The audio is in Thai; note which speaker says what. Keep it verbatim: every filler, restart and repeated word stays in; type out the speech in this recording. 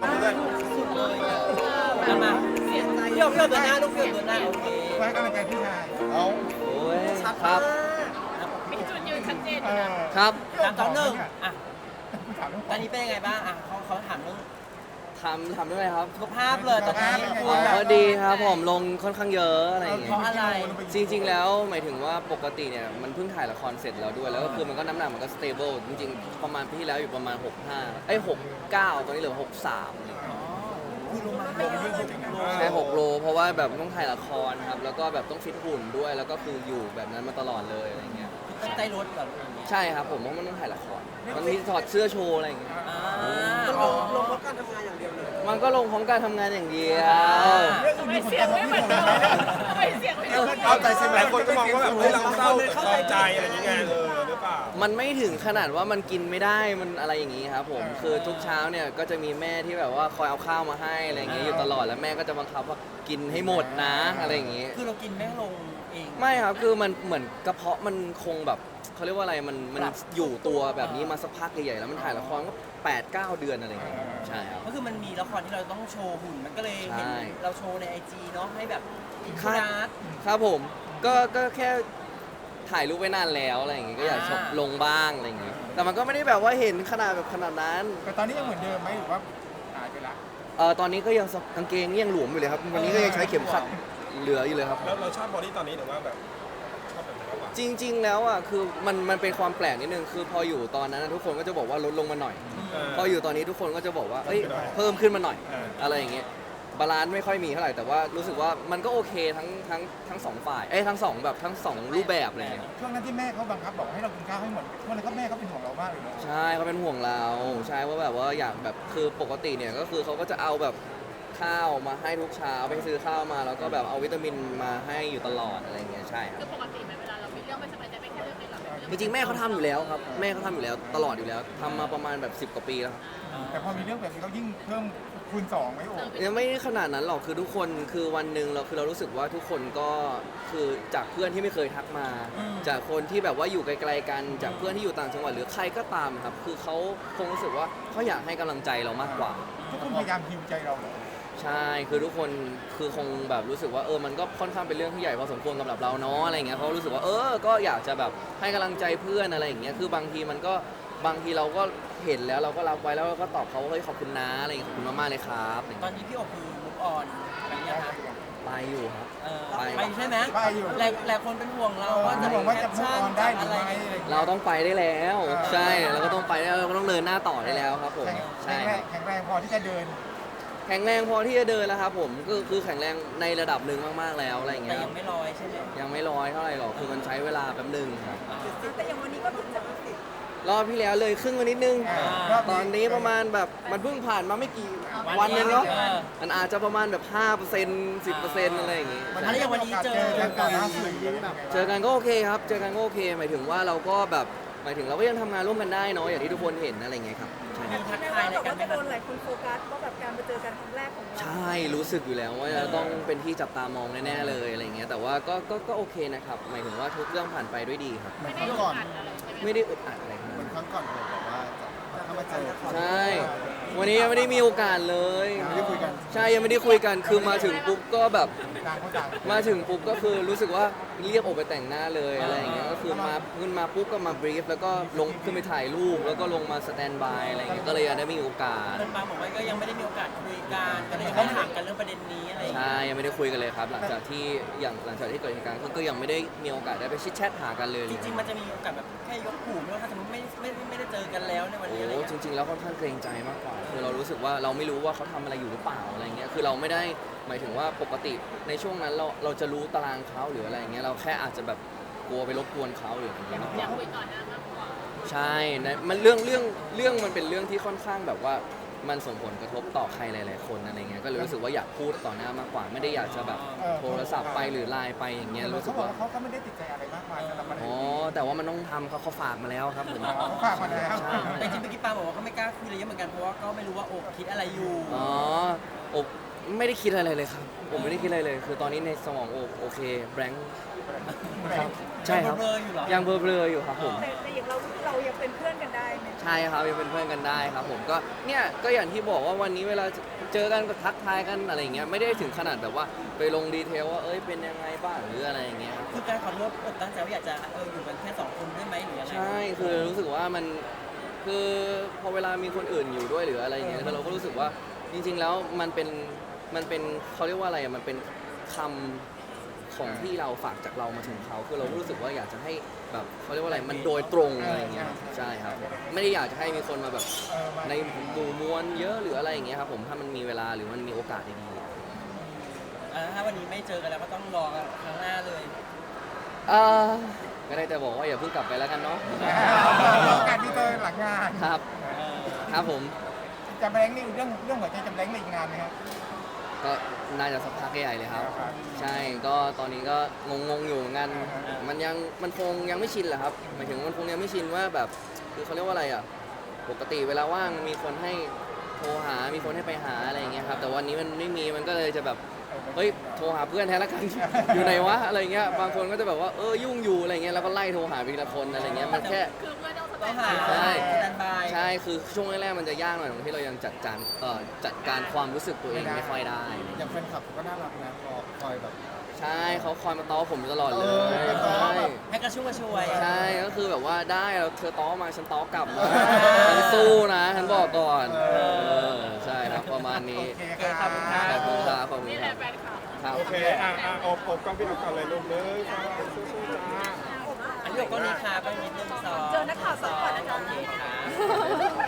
Speaker 1: สุดเลยอ่ะเอามาเสียใจพี่โอพี่โอเดินหน้าลูกพี่โอเดินหน้าโอเค
Speaker 2: ไว้กำลังใจพี่ชาย
Speaker 3: เอา
Speaker 4: โอ้ย
Speaker 1: ชัด
Speaker 4: ครั
Speaker 1: มา
Speaker 4: บ
Speaker 1: ก
Speaker 5: มีจุดยืนชัดเจน
Speaker 2: เอ
Speaker 5: อยู่นะ
Speaker 2: อ
Speaker 4: ครับ
Speaker 1: สามสองหนึ่งอ่ะ
Speaker 2: ถามเรื่อง
Speaker 1: ตอนนี้เป็นยังไงบ้างอ่ะเขาเขาถามเรื่อง
Speaker 4: ทำทำด้วยครับ
Speaker 1: สุขภาพเลยตอนนี้คุ
Speaker 4: อ๋
Speaker 1: ณแบบ
Speaker 4: อดีครับผมลงค่อนข้างเยอะอะไรอย่างเงี้
Speaker 1: เพราะ
Speaker 4: ย
Speaker 1: อะไร
Speaker 4: จริง ๆ แล้วหมายถึงว่าปกติเนี่ยมันเพิ่งถ่ายละครเสร็จแล้วด้วยแล้วก็คือมันก็น้ำหนักมันก็สเตเบิลจริงๆ ประมาณปีที่แล้วอยู่ประมาณหกสิบห้าเอ้ยหกสิบเก้าตอนนี้เหลือหกสิบสาม
Speaker 1: คือลงมาเยอะเลย
Speaker 4: ใช่หกโลเพราะว่าแบบต้องถ่ายละครครับแล้วก็แบบต้องฟิตหุ่นด้วยแล้วก็คืออยู่แบบนั้นมาตลอดเลยอะไรเงี้ย
Speaker 1: ตั้งใจลดแบบอย่างเงี้ย
Speaker 4: ใช่ครับผมเพราะมันต้องถ่ายละครมันมีถอดเสื้อโชว์อะไรอย่างเงี้ย
Speaker 1: อ่า
Speaker 3: ลงลงเพราะการทำงานอย่างเดียวเลย
Speaker 4: มันก็ลงของการทำงานอย่างเดียว
Speaker 5: ทำไมเสียงไม่เหมือนเดิมทำไมเสียงไม่เหมือนเดิม
Speaker 3: เข้าใจใช่ไหมคนก็มองว่าแบบเฮ้ยเราเศร้าเข้าใจอะไรอย่างเงี้ยเออหรือเปล่า
Speaker 4: มันไม่ถึงขนาดว่ามันกินไม่ได้มันอะไรอย่างงี้ครับผมคือทุกเช้าเนี่ยก็จะมีแม่ที่แบบว่าคอยเอาข้าวมาให้อะไรอย่างเงี้ยอยู่ตลอดแล้วแม่ก็จะบังคับว่ากินให้หมดนะอะไรอย่างงี้
Speaker 1: คือเรากินไม่ลงเอง
Speaker 4: ไม่ครับคือมันเหมือนกระเพาะมันคงแบบเขาเรียกว่าอะไรมันมันอยู่ตัวแบบนี้มาสักพักใหญ่ๆแล้วมันถ่ายละครก็แปดเก้าเดือนอะไรอย่างเงี้ยใช่ครับ
Speaker 1: ก็คือมันมีละครที่เราต้องโชว์หุ่นมันก็เลยเห็น
Speaker 4: ใช่
Speaker 1: เราโชว์ในไอจีเนาะให้แบบอิน
Speaker 4: ค
Speaker 1: ฟู
Speaker 4: รับ
Speaker 1: นัส
Speaker 4: ครับผมก็ก็แค่ถ่ายรูปไว้นานแล้วอะไรอย่างเงี้ยก็อยาก
Speaker 1: อ่า
Speaker 4: ชอบลงบ้างอะไรอย่างเงี้ยแต่มันก็ไม่ได้แบบว่าเห็นขนาดแบบขนาดนั้น
Speaker 2: แต่ตอนนี้ยังเหมือนเดิมไหมหรือว่าหายไปละ
Speaker 4: เออตอนนี้ก็ยังกางเกงยังหลวมอยู่เลยครับวันนี้ก็ยังใช้เข็มขัดเหลืออยู่เลยครับ
Speaker 3: แล้วเราชอบบอดี้ตอนนี้หรือว่าแบบชอบแบบไหนมากกว่า
Speaker 4: จริง ๆ แล้วอ่ะคือมันมันเป็นความแปลกนิดนึงคือพออยู่ตอนนั้นนะทุกคนก็จะบอกว่าลดลงมาหน่อย
Speaker 3: เออ
Speaker 4: พออยู่ตอนนี้ทุกคนก็จะบอกว่าเอ้ย
Speaker 3: เพิ่มขึ้นมาหน่อย
Speaker 4: เพิ่มขึ้นมาหน่อย
Speaker 3: เอออ
Speaker 4: อะไรอย่างเงี้ยบาลานซ์ไม่ค่อยมีเท่าไหร่แต่ว่ารู้สึกว่ามันก็โอเคทั้งทั้งทั้งสองฝ่ายเอ้ยทั้งสองแบบทั้งสองรูปแบบอะไรอย่างเงี้ย
Speaker 2: ช่วงนั้นที่แม่เขาบังคับบอกให้เรากินข้าวให้หมดช่วงนั้นก็แม่เขาเป็นห่วงเรามากเลยเนอะ
Speaker 4: ใช่เขาเป็นห่วงเราใช่ว่าแบบว่าอยากแบบคือปกติเนี่ยก็คือเขาก็จะเอาแบบข้าวมาให้ทุกเช้าไปซื้อข้าวมาแล้วก็แบบเอาวิตามินมาให้อยู่ตลอดอะไรอย่างเงี้ยใช่ค
Speaker 5: คื
Speaker 4: รั
Speaker 5: อบ ปกติไหมเวลาเรามีเรื่องไม่สบายใจไม่แค่เรื่องนี้หรอกเป็นเรื่อง
Speaker 4: จริงๆแม่เขาทำอยู่แล้วครับแม่เขาทำอยู่แล้วตลอดอยู่แล้วทำมาประมาณแบบสิบกว่าปีแล้วครับ
Speaker 2: แต่พอมีเรื่องแบบนี้เขายิ่งเพิ่มคูณสองไหมโอ้
Speaker 4: ยังไม่ขนาดนั้นหรอกคือทุกคนคือวันหนึ่งเราคือเรารู้สึกว่าทุกคนก็คือจากเพื่อนที่ไม่เคยทักมา จากคนที่แบบว่าอยู่ไกลๆกันจากเพื่อนที่อยู่ต่างจังหวัดหรือใครก็ตามครับคือเขาคงรู้สึกว่าเขาอยากให้กำลังใจเรามากกว่า
Speaker 2: ทุกคนพยายามฮิวใจเราเหรอ
Speaker 4: ใช่คือทุกคนคือคงแบบรู้สึกว่าเออมันก็ค่อนข้างเป็นเรื่องที่ใหญ่พอสมควรสำหรับเราเนาะอะไรเงี้ยเขารู้สึกว่าเออก็อยากจะแบบให้กำลังใจเพื่อนอะไรอย่างเงี้ยคือบางทีมันก็บางทีเราก็เห็นแล้วเราก็รับไว้แล้วเราก็ตอบเขาว่าเฮ้ยขอบคุณนะอะไรเงี้ยขอบคุณมากๆเลยครับอะไร
Speaker 1: ตอ
Speaker 4: เงี้
Speaker 1: น
Speaker 4: ย
Speaker 1: นี้พี่โอคือมุกออนแบบนี้นะคะ
Speaker 4: ไปอยู่ครับ
Speaker 1: เออ
Speaker 4: ไป
Speaker 1: ไปใช่ไหม
Speaker 2: ไปอยู่
Speaker 1: หลายหลายคนเป็นห่วงเราว่าจะ
Speaker 2: ห่วงว่าจะ
Speaker 1: แคป
Speaker 2: มุก
Speaker 1: ชั่น
Speaker 2: ออนได้หรือ
Speaker 1: อะไร
Speaker 2: ไม่อะไรอย่าง
Speaker 4: เรา
Speaker 2: เงี้ย
Speaker 4: ต้องไปได้แล้ว ใช่เราก็ต้องไปได้แล้วเราก็ต้องเดินหน้าต่อได้แล้วครับผม
Speaker 2: แข็
Speaker 4: ใช่
Speaker 2: งแรงแข็งแรงพอที่จะเดิน
Speaker 4: แข็งแรงพอที่จะเดินแล้วครับผมก็คือแข็งแรงในระดับหนึ่งมากๆแล้วอะไรอย่าง
Speaker 1: แต่
Speaker 4: เงี้ย
Speaker 1: ยังไม่ลอยใช่ไหม
Speaker 4: ยังไม่ร้อยเท่าไหร่หรอกคือมันใช้เวลาแป๊บหนึงครับ
Speaker 6: แต่อย่างวันนี้ก็เพิ่งจะมาติด
Speaker 4: รอบที่แล้วเลยครึ่งมานิดนึง
Speaker 2: อ่ารอบนี้
Speaker 4: ตอนนี้ประมาณแบบมันเพิ่งผ่านมาไม่กี่วันเองเนาะมันอาจจะประมาณแบบห้าเปอร์เซ็นต์สิบเปอร์เซ็นต์อะไรอย่างงี้
Speaker 1: แล้วอย่างวันนี้เจอ
Speaker 2: เจอกันล่าสุดยังไง
Speaker 4: เจอกันก็โอเคครับ เจอกันก็โอเค หมายถึงว่าเราก็แบบหมายถึงเราก็ยังทำงานร่วมกันได้เนาะอย่างที่ทุกคนเห็นอะไรอย่างเงี้ยครับใช่
Speaker 1: มีทัก
Speaker 6: แม้
Speaker 1: ทาย
Speaker 6: ว่า
Speaker 1: อะไร
Speaker 6: แบบ
Speaker 1: กัน
Speaker 6: ว่า
Speaker 1: ไหม
Speaker 6: จะ
Speaker 1: ค
Speaker 6: โด
Speaker 1: รับ
Speaker 6: นหลายคนโฟกัสว่าแบบการมาเจอกันครั้งแรกของเรา
Speaker 4: ใช่รู้สึกอยู่แล้วว่าจะต้องเป็นที่จับตามองแน่ๆเลยอะไรอย่างเงี้ยแต่ว่าก็ก็ก็โอเคนะครับหมายถึงว่าทุกเรื่องผ่านไปด้วยดีครับ
Speaker 5: ไม่ได้ก่อนอะไรใช่ไหม
Speaker 4: ไม่ได้อึดอัดอะไรครับ
Speaker 3: เหมือนครั้งก่อนเราบอกว่าจะถ้ามาเจอ
Speaker 4: ใช่ วันนี้ยังไม่ได้มีโอกาสเลย
Speaker 3: ไม่ได้คุยกัน
Speaker 4: ใช่ยังไม่ได้คุยกันคือมาถึงปุ๊บก็แบบ
Speaker 2: ต่างคนต่าง
Speaker 4: มาถึงปุ๊บก็คือรู้สึกว่าเรียกออกไปแต่งหน้าเลยอะไรอย่างเงี้ยก็คือมาขึ้นมาปุ๊บก็มาบรีฟแล้วก็ลงขึ้นไปถ่ายรูปแล้วก็ลงมาสแตนบายอะไรอย่างเงี้ยก็เลยยังได้มีโอกาส
Speaker 1: เพื่อนปาบอกว่าก็ยังไม่ได้มีโอกาสคุยกันก็เลยยังไม่ได้ถามกันเรื่องประเด็นนี้อะไรอย่างเงี้ย
Speaker 4: ใช่ยังไม่ได้คุยกันเลยครับ หลังจากที่อย่างหลังจากที่เกิดเหตุการณ์ก็ก็ยังไม่ได้มีโอกาสได้ไปชิดแชทหากันเลย
Speaker 1: จริงๆมันจะมีโอกาสแบบแค่ยกหูไหมว่าถ้าสมมติไม่ไม่ไม่ได้เจอกันแล้วในวัน
Speaker 4: โอ้
Speaker 1: นี้อะไรอย่าง
Speaker 4: จ
Speaker 1: เงี้ย
Speaker 4: ริง ๆ แล้วค่อนข้างเกรงใจมากกว่าคือเรารู้สึกว่าเราไม่รู้ว่าเขาทำอะไรอยู่หรือเปล่าอะไรเงี้ยคือเราไม่ได้หมายถึงว่าปกติในช่วงนั้นเราเราจะรู้ตารางเขาหรืออะไรเงี้ยเราแค่อาจจะแบบกลัวไปรบกวนเขาหรืออะไรเงี้ยมากก
Speaker 5: อยาก
Speaker 4: ว่า
Speaker 5: คุยก่อนหน้ามากกว่า
Speaker 4: ใช่นะมันเรื่องเรื่องเรื่องมันเป็นเรื่องที่ค่อนข้างแบบว่ามันส่งผลกระทบต่อใครหลาย ๆ คนอะไรเงี้ยก็เลยรู้สึกว่าอยากพูดต่อหน้ามากกว่า ไม่ได้อยากจะแบบโทรศัพท์ไปหรือไลน์ไปอย่างเงี้ยรู้สึ
Speaker 2: เขา
Speaker 4: ก
Speaker 2: บอก
Speaker 4: ว่า
Speaker 2: ว่าเขาก็ไม่ได้ติดใจอะไรมากมายสำหรับประเด็น
Speaker 4: อ๋อ
Speaker 2: นี้
Speaker 4: แต่ว่ามันต้องทำเขาเขาฝากมาแล้วครับผม
Speaker 2: เขาฝากมาแล้ว
Speaker 4: ใช่
Speaker 1: แต่จริงๆเมื่อกี้ปาบอกว่าเขาไม่กล้าคุยอะไรเยอะเหมือนกันเพราะว่าก็ไม่รู้ว่าโอบคิดอะไรอยู่
Speaker 4: อ๋ออบไม่ได้คิดอะไรเลยครับ ผมไม่ได้คิดอะไรเลย คือตอนนี้ในสมองโอโอเคแบงค์ครับใช่ครับ
Speaker 1: เบลอๆอยู่เหรอ
Speaker 4: ยังเบลอๆอยู่ครับผม
Speaker 6: แต่แต่อย่างเราเรายังเป็นเพื่อนกันได้ไหม
Speaker 4: ใช่ครับยังเป็นเพื่อนกันได้ครับผมก็เนี่ยก็อย่างที่บอกว่าวันนี้เวลาเจอกันก็ทักทายกันอะไรอย่างเงี้ยไม่ได้ถึงขนาดแบบว่าไปลงดีเทลว่าเอ้ยเป็นยังไงบ้างหรืออะไรอย่างเงี้ยครับ
Speaker 1: คือการขอโทษเออตั้งใจว่าอยากจะเอออยู่กันแค่สองคนได้ไหมหรือยังไง
Speaker 4: ใช่คือรู้สึกว่ามันคือพอเวลามีคนอื่นอยู่ด้วยหรืออะไรอย่างเงี้ยคือเราก็รู้สึกว่าจริง ๆ แล้วมันเป็นมันเป็นเขาเรียกว่าอะไรอะมันเป็นคำของที่เราฝากจากเรามาถึงเขาคือเราก็รู้สึกว่าอยากจะให้แบบเขาเรียกว่าอะไรมันโดยตรงอะไรอย่างเงี้ยใช่ครับไม่ได้อยากจะให้มีคนมาแบบ
Speaker 2: เออมา
Speaker 4: ในหมู่มวลเยอะหรืออะไรอย่างเงี้ยครับผมถ้ามันมีเวลาหรือมันมีโอกาสดี
Speaker 1: อ่าถ้าวันนี้ไม่เจอกันแล้วก็ต้องรอกันครั้งหน้าเลย
Speaker 4: ๆอ่าก็ได้แต่บอกว่าอย่าเพิ่งกลับไปแล้วกันเนาะ
Speaker 2: การที่เจอหลังงาน
Speaker 4: ครับ
Speaker 1: เออ
Speaker 4: ครับผม
Speaker 2: จะแบงค์นี่เรื่องเรื่องหัวใจจะแบงค์ในอีกนานไหมครับ
Speaker 4: ก็น่าจะสักพักใหญ่เลยครับ
Speaker 2: ครับ
Speaker 4: ใช่ก็ตอนนี้ก็งงๆอยู่เหมือนกันมันยังมันคงยังไม่ชินแหละครับหมายถึงมันคงยังไม่ชินว่าแบบคือเขาเรียกว่าอะไรอ่ะปกติเวลาว่างมีคนให้โทรหา มีคนให้ไปหาอะไรอย่างเงี้ยครับแต่วันนี้มันไม่มีมันก็เลยจะแบบเฮ้ยโทรหาเพื่อนแทนละกัน อยู่ไหนวะอะไรเงี้ยบางคนก็จะแบบว่าเออยุ่งอยู่อะไรเงี้ยแล้วก็ไล่โทรหาไปทีละคนอะไรเงี้ยมันแค่
Speaker 5: คือเพื่อนต้องส
Speaker 1: ต้
Speaker 5: บา
Speaker 1: อง
Speaker 5: ย
Speaker 1: หา
Speaker 4: ใช่
Speaker 1: สแตนบาย
Speaker 4: ใช่คือช่วงแรกๆมันจะยากหน่อยตรงที่เรายังจัดการเอ่อจัดการความรู้สึกตัวเองไม่ค่อยได้
Speaker 2: อย่างแฟนคลับก็น่ารักนะคอยแบบ
Speaker 4: ใช่เขาคอยมาต้อผมตลอดเลย
Speaker 2: เออมาต้อ
Speaker 4: ใช่
Speaker 2: แบบ
Speaker 1: ให้กระชุ่มกระชวย
Speaker 4: ใช่ก็คือแบบว่าได้เราเธอต้อมาฉันต้อกลับนะฉันสู้นะฉันบอกก่อน
Speaker 2: เออ
Speaker 4: เออใช่ครับประมาณนี้
Speaker 2: โอเคครับ
Speaker 4: ขอบคุณครับขอบคุณ
Speaker 5: นี่
Speaker 4: ค
Speaker 5: แห
Speaker 4: รั
Speaker 5: ละ
Speaker 4: บ
Speaker 5: แฟนคลับ
Speaker 4: ครับ
Speaker 3: โอเคอ่ะอ่ะอบอบกล้องพี่เอาก่อนเลยลูกเลยสู้ๆจ้า
Speaker 1: อันนี้ก็นิทาไปนิดนึงสอง
Speaker 6: เจอนักข่าวสองก่อนนะจ๊ะ
Speaker 1: โอเคค่ะ